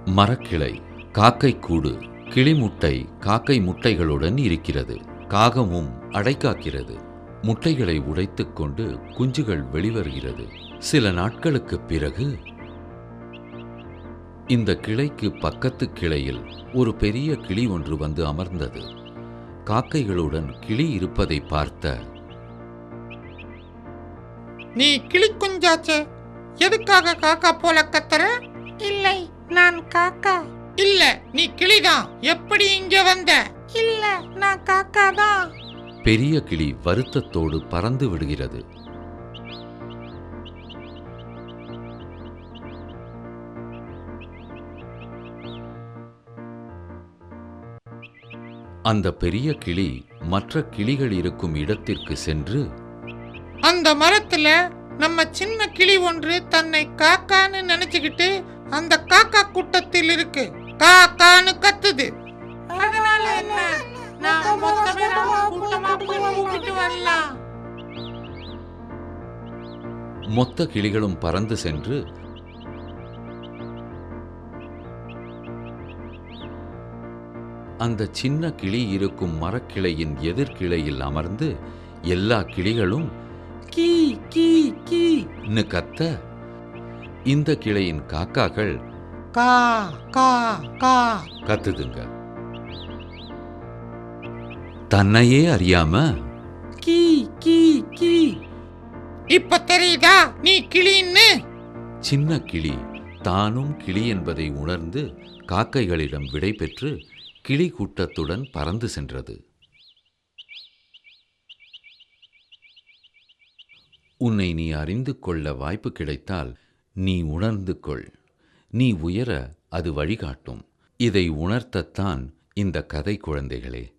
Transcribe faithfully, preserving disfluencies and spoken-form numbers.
மரக்கிளை, காக்கை கூடு, கிளிமுட்டை காக்கை முட்டைகளுடன் இருக்கிறது. காகமும் அடைகாக்கிறது. முட்டைகளை உடைத்துக் கொண்டு குஞ்சுகள் வெளிவருகிறது. சில நாட்களுக்குப் பிறகு இந்த கிளைக்கு பக்கத்து கிளையில் ஒரு பெரிய கிளி ஒன்று வந்து அமர்ந்தது. காக்கைகளுடன் கிளி இருப்பதை பார்த்த, நீ கிளி குஞ்சாச்சே, எதுக்காக காக்கா போல கத்துற? இல்லை, நான் காக்கா. இல்ல, நீ கிளிதான். எப்படி இங்க வந்த? இல்ல, நான் காக்கா தான். பெரிய கிளி வருத்தத்தோடு பறந்து விடுகிறது. அந்த பெரிய கிளி மற்ற கிளிகள் இருக்கும் இடத்திற்கு சென்று, அந்த மரத்துல நம்ம சின்ன கிளி ஒன்று தன்னை காக்கான்னு நினைச்சுக்கிட்டு அந்த காக்கா கூட்டத்தில் இருக்கு. காக்கான்னு கத்துது. அதனால என்ன? நான் மொத்த பேரும் கூட்டமா போய் கூப்பிட்டு வரலாம். மொத்த கிளிகளும் பறந்து சென்று அந்த சின்ன கிளி இருக்கும் மரக்கிளையின் எதிர்கிளையில் அமர்ந்து எல்லா கிளிகளும் கீ கீ கீன்னு கத்த, இந்த கிளையின் காக்காக்கள் கா கா கா கத்துதுங்க. தன்னையே அறியாம கீ கீ கீ. இப்ப தெரியுதா நீ கிளின்னு? சின்ன கிளி தானும் கிளி என்பதை உணர்ந்து காக்கைகளிடம் விடை பெற்று கிளி கூட்டத்துடன் பறந்து சென்றது. உன்னை நீ அறிந்து கொள்ள வாய்ப்பு கிடைத்தால் நீ உணர்ந்து கொள். நீ உயர அது வழிகாட்டும். இதை உணர்த்தத்தான் இந்த கதை, குழந்தைகளே.